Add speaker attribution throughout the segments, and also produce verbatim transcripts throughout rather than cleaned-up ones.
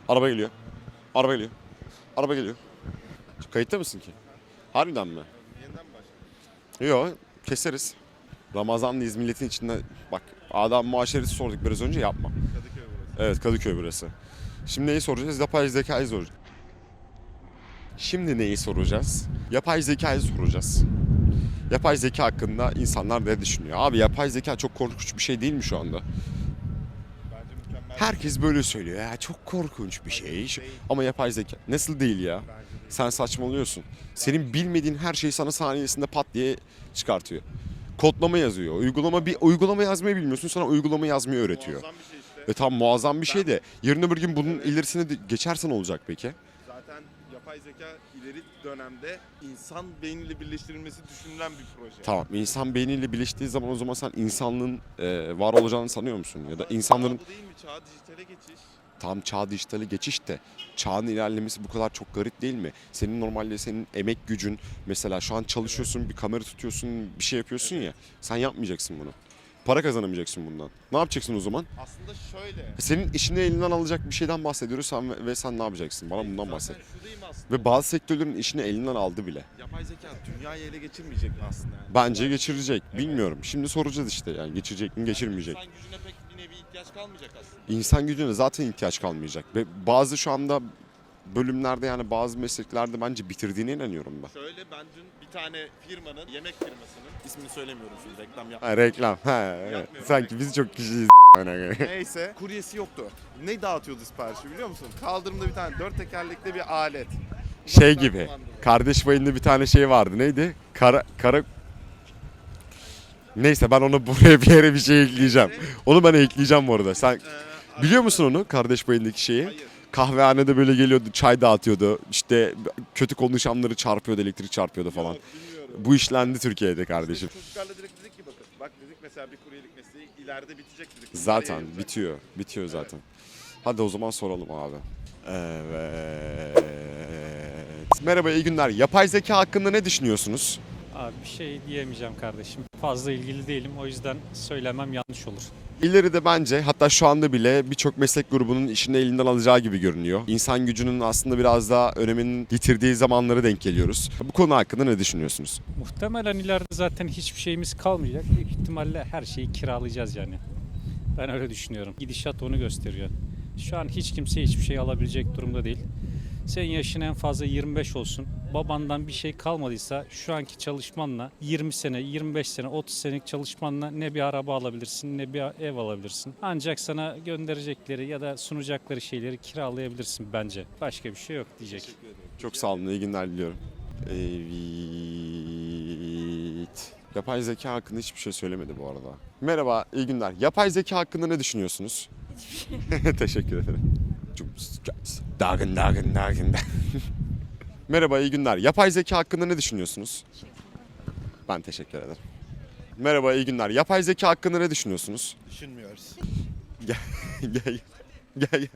Speaker 1: Araba geliyor. Araba geliyor. Araba geliyor. Kayıtta mısın ki? Harbiden mi?
Speaker 2: Yeniden başla.
Speaker 1: Yok, keseriz. Ramazanlıyız milletin içinde. Bak, adam muaşeresi sorduk biraz önce, yapma.
Speaker 2: Kadıköy burası.
Speaker 1: Evet, Kadıköy burası. Şimdi neyi soracağız? Yapay zekayı soracağız. Şimdi neyi soracağız? Yapay zekayı soracağız. Yapay zeka hakkında insanlar ne düşünüyor? Abi yapay zeka çok korkunç bir şey değil mi şu anda?
Speaker 2: Bence mükemmel.
Speaker 1: Herkes böyle söylüyor. Ya çok korkunç bir şey. Ama yapay zeka nasıl değil ya?
Speaker 2: Bence de.
Speaker 1: Sen saçmalıyorsun. Senin bilmediğin her şeyi sana saniyesinde pat diye çıkartıyor. Kodlama yazıyor. Uygulama bir uygulama yazmayı bilmiyorsun. Sana uygulama yazmayı öğretiyor.
Speaker 2: Muazzam bir şey işte.
Speaker 1: Ve tam muazzam bir şey de yarın öbür gün bunun ilerisine de geçersen olacak peki?
Speaker 2: Zaten yapay zeka ileri dönemde insan beyniyle birleştirilmesi düşünülen bir proje.
Speaker 1: Tamam, insan beyniyle birleştiği zaman o zaman sen insanlığın e, var olacağını sanıyor musun? Ya da insanların
Speaker 2: Çağ bu değil mi? Çağ dijitale geçiş.
Speaker 1: tam çağ dijitale geçiş de çağın ilerlemesi bu kadar çok garip değil mi? Senin normalde senin emek gücün mesela şu an çalışıyorsun, bir kamera tutuyorsun, bir şey yapıyorsun ya. Sen yapmayacaksın bunu. Para kazanamayacaksın bundan. Ne yapacaksın o zaman?
Speaker 2: Aslında şöyle.
Speaker 1: Senin işini elinden alacak bir şeyden bahsediyoruz sen ve, ve sen ne yapacaksın? Bana bundan bahset.
Speaker 2: Zaten şuradayım aslında.
Speaker 1: Ve bazı sektörlerin işini elinden aldı bile.
Speaker 2: Yapay zeka dünyayı ele geçirmeyecek mi aslında? Yani?
Speaker 1: Bence geçirecek. Bilmiyorum. Şimdi soracağız işte yani geçirecek mi, geçirmeyecek.
Speaker 2: İnsan gücüne pek bir nevi ihtiyaç kalmayacak aslında.
Speaker 1: İnsan gücüne zaten ihtiyaç kalmayacak. Ve bazı şu anda bölümlerde yani bazı mesleklerde bence bitirdiğine inanıyorum ben.
Speaker 2: Şöyle ben dün bir tane firmanın, yemek firmasının, ismini söylemiyorum şimdi reklam yap.
Speaker 1: Ha, reklam. Ha, evet.
Speaker 2: Yapmıyorum.
Speaker 1: Sanki biz çok kişiyiz.
Speaker 2: Neyse kuryesi yoktu. Ne dağıtıyordu siparişi biliyor musun? Kaldırımda bir tane dört tekerlekli bir alet.
Speaker 1: Şey
Speaker 2: Uzaktan
Speaker 1: gibi.
Speaker 2: kumandalı.
Speaker 1: Kardeş payında bir tane şey vardı. Neydi? Kara kara Neyse ben onu buraya bir yere bir şey ekleyeceğim. Onu ben ekleyeceğim bu arada. Sen
Speaker 2: Ee,
Speaker 1: biliyor musun onu? Kardeş payındaki şeyi?
Speaker 2: Hayır.
Speaker 1: Kahvehanede böyle geliyordu, çay dağıtıyordu. İşte kötü konuşanları çarpıyordu, elektrik çarpıyordu falan.
Speaker 2: Yok, bilmiyorum.
Speaker 1: Bu işlendi Türkiye'de kardeşim.
Speaker 2: Çocuklarla direkt dedik ki bakın. Bak dedik mesela bir kuryelik mesleği ileride bitecek dedik.
Speaker 1: Zaten
Speaker 2: Nereye yayılacak?
Speaker 1: bitiyor. Bitiyor zaten. Hadi o zaman soralım abi. Evet. Merhaba, iyi günler. Yapay zeka hakkında ne düşünüyorsunuz?
Speaker 3: Abi bir şey diyemeyeceğim kardeşim. Fazla ilgili değilim. O yüzden söylemem yanlış olur.
Speaker 1: İleride bence hatta şu anda bile birçok meslek grubunun işini elinden alacağı gibi görünüyor. İnsan gücünün aslında biraz daha öneminin yitirdiği zamanlara denk geliyoruz. Bu konu hakkında ne düşünüyorsunuz?
Speaker 3: Muhtemelen ileride zaten hiçbir şeyimiz kalmayacak. Büyük ihtimalle her şeyi kiralayacağız yani. Ben öyle düşünüyorum. Gidişat onu gösteriyor. Şu an hiç kimse hiçbir şey alabilecek durumda değil. Senin yaşın en fazla yirmi beş olsun. Babandan bir şey kalmadıysa şu anki çalışmanla yirmi sene, yirmi beş sene, otuz senelik çalışmanla ne bir araba alabilirsin ne bir ev alabilirsin. Ancak sana gönderecekleri ya da sunacakları şeyleri kiralayabilirsin bence. Başka bir şey yok diyecek.
Speaker 1: Çok sağ olun, iyi günler diliyorum. Evet. Yapay zeka hakkında hiçbir şey söylemedi bu arada. Merhaba, iyi günler. Yapay zeka hakkında ne düşünüyorsunuz? Teşekkür ederim. Dagın dagın dagın. Merhaba, iyi günler. Yapay zeka hakkında ne düşünüyorsunuz? Ben teşekkür ederim. Merhaba, iyi günler. Yapay zeka hakkında ne düşünüyorsunuz?
Speaker 2: Düşünmüyoruz.
Speaker 1: Gel, gel, gel. gel.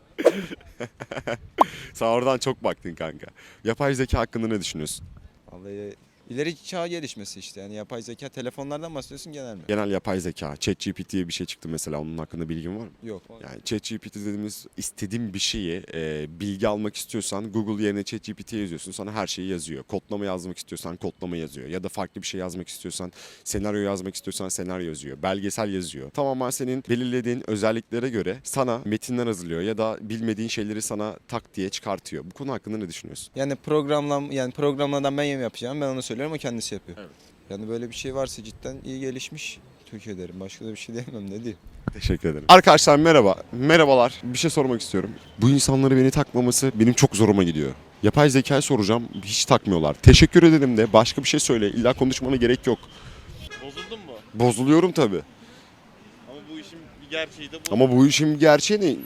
Speaker 1: Sen oradan çok baktın kanka. Yapay zeka hakkında ne düşünüyorsun?
Speaker 4: Vallahi ileri çağ gelişmesi işte. Yani yapay zeka telefonlardan bahsediyorsun genel mi?
Speaker 1: Genel yapay zeka, ChatGPT diye bir şey çıktı mesela. Onun hakkında bilgin var mı?
Speaker 4: Yok.
Speaker 1: Yani ChatGPT dediğimiz istediğin bir şeyi e, bilgi almak istiyorsan Google yerine ChatGPT'ye yazıyorsun. Sana her şeyi yazıyor. Kodlama yazmak istiyorsan kodlama yazıyor. Ya da farklı bir şey yazmak istiyorsan, senaryo yazmak istiyorsan senaryo yazıyor. Belgesel yazıyor. Tamamen senin belirlediğin özelliklere göre sana metinler hazırlıyor ya da bilmediğin şeyleri sana tak diye çıkartıyor. Bu konu hakkında ne düşünüyorsun?
Speaker 4: Yani programlam yani programlardan ben yem yapacağım. Ben onu söylüyorum o kendisi yapıyor.
Speaker 1: Evet.
Speaker 4: Yani böyle bir şey varsa cidden iyi gelişmiş Türkiye derim. Başka da bir şey diyemem ne diyeyim.
Speaker 1: Teşekkür ederim. Arkadaşlar merhaba. Merhabalar. Bir şey sormak istiyorum. Bu insanları beni takmaması benim çok zoruma gidiyor. Yapay zekayı soracağım. Hiç takmıyorlar. Teşekkür ederim de başka bir şey söyle. İlla konuşmana gerek yok.
Speaker 2: Bozuldun mu?
Speaker 1: Bozuluyorum tabii.
Speaker 2: Ama bu işin bir gerçeği de bu.
Speaker 1: Ama bu işin gerçeği ne?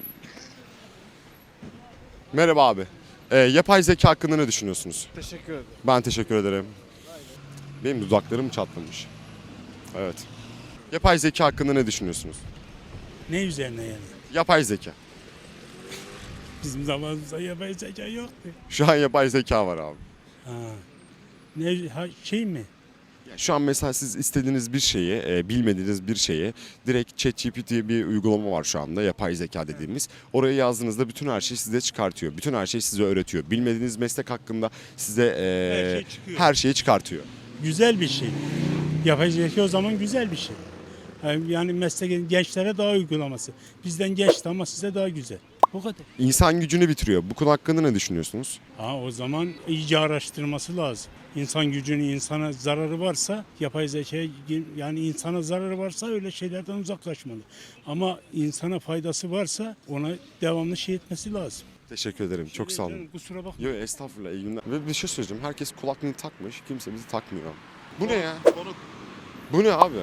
Speaker 1: Merhaba abi. Ee, yapay zeka hakkında ne düşünüyorsunuz?
Speaker 5: Teşekkür ederim.
Speaker 1: Ben teşekkür ederim. Benim dudaklarım çatlamış. Evet. Yapay zeka hakkında ne düşünüyorsunuz?
Speaker 5: Ne üzerine yani?
Speaker 1: Yapay zeka.
Speaker 5: Bizim zamanımızda yapay zeka yoktu.
Speaker 1: Şu an yapay zeka var abi.
Speaker 5: Ha. Ne ha, şey mi?
Speaker 1: Şu an mesela siz istediğiniz bir şeyi, e, bilmediğiniz bir şeyi direkt ChatGPT diye bir uygulama var şu anda, yapay zeka dediğimiz. Oraya yazdığınızda bütün her şeyi size çıkartıyor. Bütün her şeyi size öğretiyor. Bilmediğiniz meslek hakkında size e,
Speaker 5: Her şey çıkıyor.
Speaker 1: her şeyi çıkartıyor.
Speaker 5: Güzel bir şey. Yapay zeka o zaman güzel bir şey. Yani yani meslek gençlere daha uygulaması. Bizden geçti ama size daha güzel. O kadar.
Speaker 1: İnsan gücünü bitiriyor. Bu konu hakkında ne düşünüyorsunuz?
Speaker 5: Ha, o zaman iyice araştırması lazım. İnsan gücünün insana zararı varsa yapay zekaya yani insana zararı varsa öyle şeylerden uzaklaşmalı. Ama insana faydası varsa ona devamlı şey etmesi lazım.
Speaker 1: Teşekkür ederim. Çok sağ olun.
Speaker 5: Canım, kusura bakma.
Speaker 1: Yok estağfurullah, iyi günler. Ve bir şey söyleyeceğim. Herkes kulaklığını takmış. Kimse bizi takmıyor. Bu ne ya? Bu ne abi?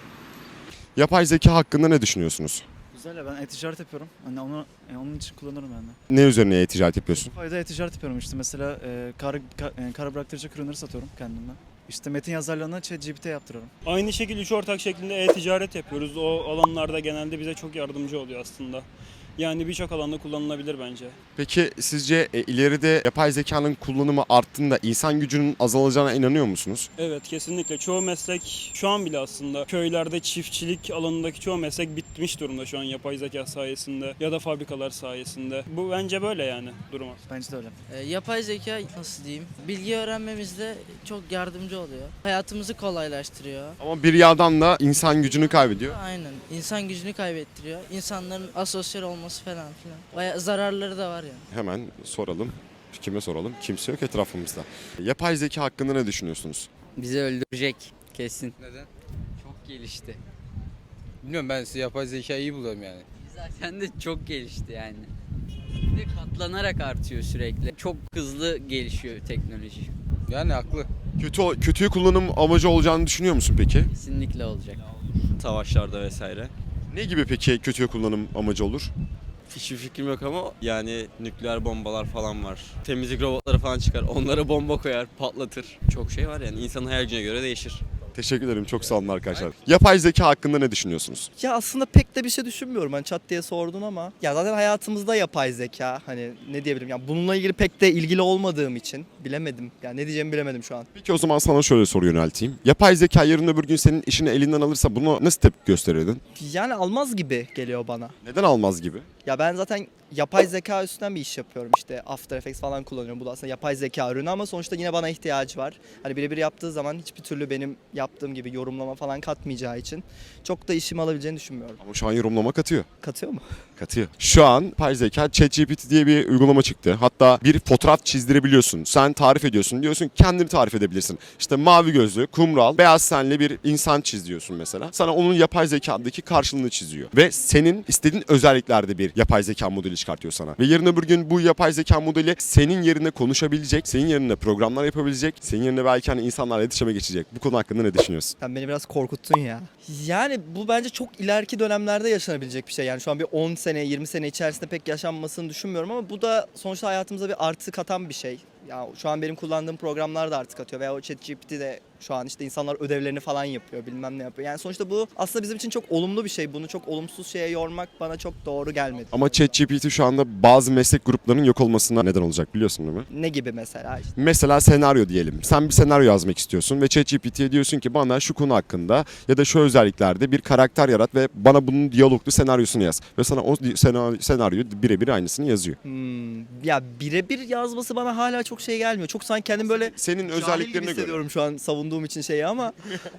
Speaker 1: Yapay zeka hakkında ne düşünüyorsunuz?
Speaker 6: Güzel ya, ben e-ticaret yapıyorum. Hani onu e, onun için kullanırım ben de.
Speaker 1: Ne üzerine e-ticaret yapıyorsun?
Speaker 6: Fayda e-ticaret yapıyorum işte mesela e, kar, ka- e, kara bıraktırıcı ürünleri satıyorum kendimden. İşte metin yazarlarına ChatGPT yaptırıyorum.
Speaker 7: Aynı şekilde üç ortak şeklinde e-ticaret yapıyoruz. O alanlarda genelde bize çok yardımcı oluyor aslında. Yani birçok alanda kullanılabilir bence.
Speaker 1: Peki sizce e, ileride yapay zekanın kullanımı arttığında insan gücünün azalacağına inanıyor musunuz?
Speaker 7: Evet, kesinlikle. Çoğu meslek şu an bile aslında köylerde çiftçilik alanındaki çoğu meslek bitmiş durumda şu an yapay zeka sayesinde ya da fabrikalar sayesinde. Bu bence böyle yani durum.
Speaker 6: Bence de öyle.
Speaker 8: E, Yapay zeka nasıl diyeyim? Bilgi öğrenmemizde çok yardımcı oluyor. Hayatımızı kolaylaştırıyor.
Speaker 1: Ama bir yandan da insan gücünü kaybediyor.
Speaker 8: Aynen. İnsan gücünü kaybettiriyor. İnsanların asosyal olması falan filan. Bayağı zararları da var yani.
Speaker 1: Hemen soralım. Kime soralım? Kimse yok etrafımızda. Yapay zeka hakkında ne düşünüyorsunuz?
Speaker 9: Bizi öldürecek kesin. Neden? Çok gelişti.
Speaker 10: Bilmiyorum, ben size yapay zekayı iyi buluyorum yani.
Speaker 9: Zaten de çok gelişti yani. Bir de katlanarak artıyor sürekli. Çok hızlı gelişiyor teknoloji.
Speaker 10: Yani haklı.
Speaker 1: Kötü kötüyü kullanım amacı olacağını düşünüyor musun peki?
Speaker 9: Kesinlikle olacak.
Speaker 11: Savaşlarda vesaire.
Speaker 1: Ne gibi peki kötüye kullanım amacı olur?
Speaker 11: Hiçbir fikrim yok ama yani nükleer bombalar falan var. Temizlik robotları falan çıkar. Onlara bomba koyar, patlatır. Çok şey var yani. İnsanın hayal gücüne göre değişir.
Speaker 1: Teşekkür ederim. Çok sağ olun arkadaşlar. Yapay zeka hakkında ne düşünüyorsunuz?
Speaker 12: Ya aslında pek de bir şey düşünmüyorum. Hani çat diye sordun ama ya zaten hayatımızda yapay zeka, hani ne diyebilirim, ya bununla ilgili pek de ilgili olmadığım için bilemedim. Yani ne diyeceğimi bilemedim şu an.
Speaker 1: Peki o zaman sana şöyle soru yönelteyim. Yapay zeka yarın öbür gün senin işini elinden alırsa bunu nasıl tepki gösterirdin?
Speaker 12: Yani almaz gibi geliyor bana.
Speaker 1: Neden almaz gibi?
Speaker 12: Ya ben zaten yapay zeka üstünden bir iş yapıyorum. İşte After Effects falan kullanıyorum. Bu da aslında yapay zeka ürünü ama sonuçta yine bana ihtiyacı var. Hani birebir yaptığı zaman hiçbir türlü benim yaptığım gibi yorumlama falan katmayacağı için çok da işimi alabileceğini düşünmüyorum.
Speaker 1: Ama şu an yorumlama katıyor.
Speaker 12: Katıyor mu?
Speaker 1: Katıyor. Şu an yapay zeka ChatGPT diye bir uygulama çıktı. Hatta bir fotoğraf çizdirebiliyorsun. Sen tarif ediyorsun. Diyorsun ki kendini tarif edebilirsin. İşte mavi gözlü, kumral, beyaz tenli bir insan çiz diyorsun mesela. Sana onun yapay zekadaki karşılığını çiziyor. Ve senin istediğin özelliklerde bir yapay zeka modeli çıkartıyor sana. Ve yarın öbür gün bu yapay zeka modeli senin yerine konuşabilecek, senin yerine programlar yapabilecek, senin yerine belki hani insanlarla iletişime geçecek. Bu konu hakkında ne düşünüyorsun?
Speaker 12: Sen beni biraz korkuttun ya. Yani bu bence çok ileriki dönemlerde yaşanabilecek bir şey. Yani şu an bir on sene, yirmi sene içerisinde pek yaşanmasını düşünmüyorum ama bu da sonuçta hayatımıza bir artı katan bir şey. Ya şu an benim kullandığım programlar da artık atıyor veya o ChatGPT de şu an işte insanlar ödevlerini falan yapıyor, bilmem ne yapıyor. Yani sonuçta bu aslında bizim için çok olumlu bir şey. Bunu çok olumsuz şeye yormak bana çok doğru gelmedi.
Speaker 1: Ama ChatGPT şu anda bazı meslek gruplarının yok olmasına neden olacak, biliyorsun değil mi?
Speaker 12: Ne gibi mesela işte?
Speaker 1: Mesela senaryo diyelim. Sen bir senaryo yazmak istiyorsun ve ChatGPT'ye diyorsun ki bana şu konu hakkında ya da şu özelliklerde bir karakter yarat ve bana bunun diyaloglu senaryosunu yaz. Ve sana o senaryo, senaryo birebir aynısını yazıyor.
Speaker 12: Hmm, ya birebir yazması bana hala çok şey gelmiyor. Çok sanki kendim böyle
Speaker 1: Senin
Speaker 12: cahil gibi
Speaker 1: özelliklerine göre.
Speaker 12: hissediyorum şu an savunduğum için şeyi ama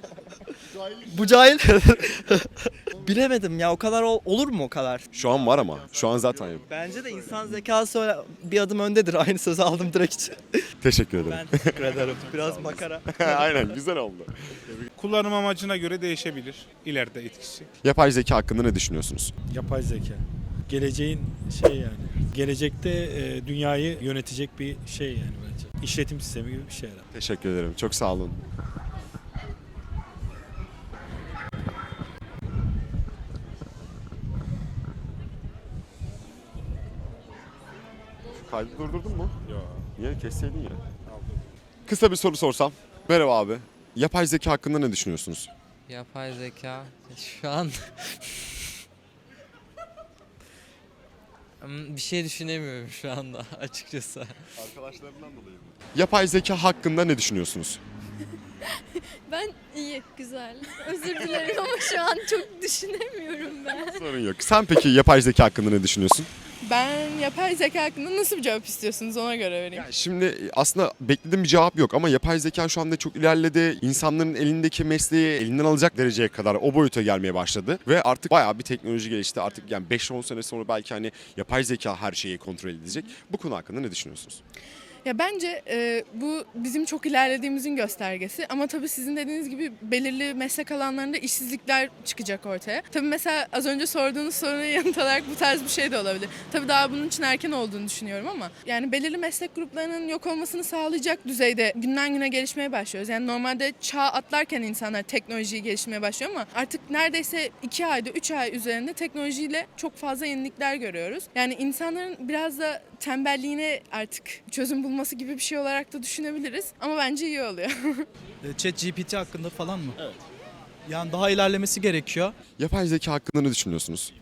Speaker 12: bu cahil bilemedim ya, o kadar ol- olur mu o kadar?
Speaker 1: Şu an var ama. Şu an zaten yok.
Speaker 12: Bence de insan zekası öyle bir adım öndedir. Aynı sözü aldım direkt için.
Speaker 1: Teşekkür ederim.
Speaker 12: Ben teşekkür ederim. Biraz makara.
Speaker 1: Aynen, güzel oldu.
Speaker 5: Kullanım amacına göre değişebilir ileride etkisi.
Speaker 1: Yapay zeka hakkında ne düşünüyorsunuz?
Speaker 13: Yapay zeka. Geleceğin şey yani. Gelecekte e, dünyayı yönetecek bir şey yani bence. İşletim sistemi gibi bir şey herhalde.
Speaker 1: Teşekkür ederim. Çok sağ olun. Kaydı durdurdun mu?
Speaker 5: Yok.
Speaker 1: Niye? Kesseydin ya. Kısa bir soru sorsam. Merhaba abi. Yapay zeka hakkında ne düşünüyorsunuz?
Speaker 9: Yapay zeka şu an
Speaker 10: Bir şey düşünemiyorum şu anda açıkçası.
Speaker 1: Arkadaşlarından dolayı mı? Yapay zeka hakkında ne düşünüyorsunuz?
Speaker 14: Ben iyi, güzel. Özür dilerim ama şu an çok düşünemiyorum ben.
Speaker 1: Sorun yok. Sen peki yapay zeka hakkında ne düşünüyorsun?
Speaker 14: Ben yapay zeka hakkında nasıl bir cevap istiyorsunuz ona göre vereyim.
Speaker 1: Yani şimdi aslında beklediğim bir cevap yok ama yapay zeka şu anda çok ilerledi. İnsanların elindeki mesleği elinden alacak dereceye kadar o boyuta gelmeye başladı. Ve artık bayağı bir teknoloji gelişti. Artık yani beş on sene sonra belki hani yapay zeka her şeyi kontrol edecek. Bu konu hakkında ne düşünüyorsunuz?
Speaker 14: Ya bence e, bu bizim çok ilerlediğimizin göstergesi ama tabii sizin dediğiniz gibi belirli meslek alanlarında işsizlikler çıkacak ortaya. Tabii mesela az önce sorduğunuz soruna yanıt olarak bu tarz bir şey de olabilir. Tabii daha bunun için erken olduğunu düşünüyorum ama yani belirli meslek gruplarının yok olmasını sağlayacak düzeyde günden güne gelişmeye başlıyoruz. Yani normalde çağ atlarken insanlar teknolojiyi gelişmeye başlıyor ama artık neredeyse iki ayda üç ay üzerinde teknolojiyle çok fazla yenilikler görüyoruz. Yani insanların biraz da tembelliğine artık çözüm bulması gibi bir şey olarak da düşünebiliriz. Ama bence iyi oluyor.
Speaker 6: ChatGPT hakkında falan mı? Evet. Yani daha ilerlemesi gerekiyor.
Speaker 1: Yapay zeka hakkında ne düşünüyorsunuz?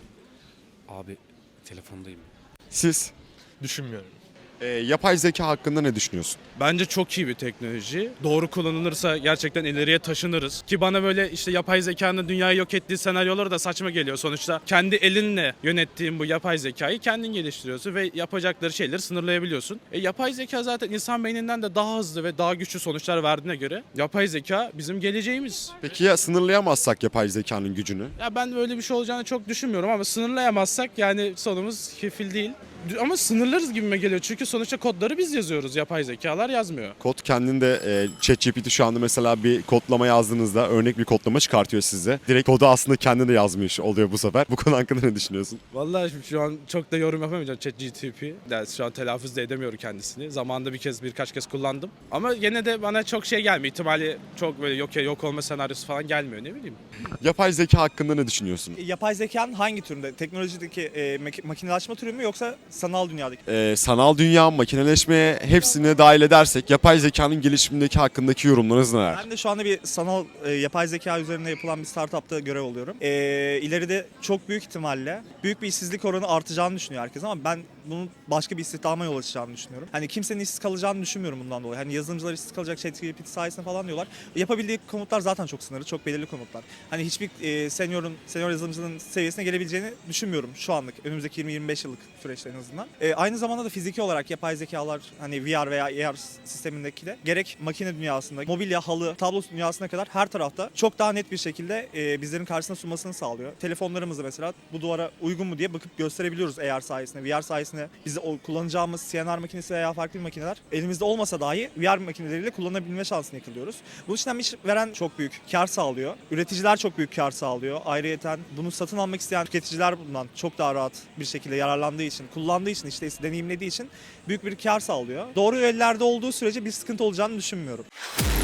Speaker 3: Abi telefondayım.
Speaker 1: Siz
Speaker 13: Düşünmüyorum.
Speaker 1: e, yapay zeka hakkında ne düşünüyorsun?
Speaker 7: Bence çok iyi bir teknoloji. Doğru kullanılırsa gerçekten ileriye taşınırız. Ki bana böyle işte yapay zekanın dünyayı yok ettiği senaryoları da saçma geliyor. Sonuçta kendi elinle yönettiğin bu yapay zekayı kendin geliştiriyorsun ve yapacakları şeyleri sınırlayabiliyorsun. E, yapay zeka zaten insan beyninden de daha hızlı ve daha güçlü sonuçlar verdiğine göre yapay zeka bizim geleceğimiz.
Speaker 1: Peki ya sınırlayamazsak yapay zekanın gücünü?
Speaker 7: Ya ben öyle bir şey olacağını çok düşünmüyorum ama sınırlayamazsak yani sonumuz kefil değil. Ama sınırlarız gibime geliyor çünkü sonuçta kodları biz yazıyoruz, yapay zekalar yazmıyor.
Speaker 1: Kod kendinde e, ChatGPT şu anda mesela bir kodlama yazdığınızda örnek bir kodlama çıkartıyor size. Direkt kodu aslında kendi de yazmış oluyor bu sefer. Bu konu hakkında ne düşünüyorsun?
Speaker 7: Vallahi şu an çok da yorum yapamayacağım ChatGPT. Yani şu an telaffuz da edemiyorum kendisini. Zamanında bir kez birkaç kez kullandım. Ama yine de bana çok şey gelmiyor. İhtimali çok böyle yok ya yok olma senaryosu falan gelmiyor ne bileyim.
Speaker 1: Yapay zeka hakkında ne düşünüyorsun?
Speaker 6: Yapay zekanın hangi türünde? Teknolojideki e, mak- makinelaşma türü mü yoksa sanal dünyadaki?
Speaker 1: E, sanal dünya, makineleşmeye hepsini dahil edersek yapay zekanın gelişimindeki hakkındaki yorumlarınız neler?
Speaker 6: Ben de şu anda bir sanal e, yapay zeka üzerine yapılan bir startupta görev alıyorum. E, ileride çok büyük ihtimalle büyük bir işsizlik oranı artacağını düşünüyor herkes ama ben bunun başka bir istihdama yol açacağını düşünüyorum. Hani kimsenin işsiz kalacağını düşünmüyorum bundan dolayı. Hani yazılımcılar işsiz kalacak ChatGPT sayesinde falan diyorlar. Yapabildiği komutlar zaten çok sınırlı, çok belirli komutlar. Hani hiçbir e, seniorun, senior yazılımcının seviyesine gelebileceğini düşünmüyorum şu anlık. Önümüzdeki yirmi yirmi beş yıllık süreçte en azından. E, aynı zamanda da fiziki olarak yapay zekalar hani V R veya A R sistemindeki de gerek makine dünyasında, mobilya, halı, tablo dünyasına kadar her tarafta çok daha net bir şekilde e, bizlerin karşısına sunmasını sağlıyor. Telefonlarımızı mesela bu duvara uygun mu diye bakıp gösterebiliyoruz A R sayesinde, V R sayesinde. Biz o kullanacağımız C N R makinesi veya farklı bir makineler elimizde olmasa dahi V R makineleriyle kullanabilme şansını yakalıyoruz. Bu işten iş veren çok büyük kar sağlıyor. Üreticiler çok büyük kar sağlıyor. Ayrıyeten bunu satın almak isteyen tüketiciler bundan çok daha rahat bir şekilde yararlandığı için, kullandığı için, işte deneyimlediği için büyük bir kar sağlıyor. Doğru ellerde olduğu sürece bir sıkıntı olacağını düşünmüyorum.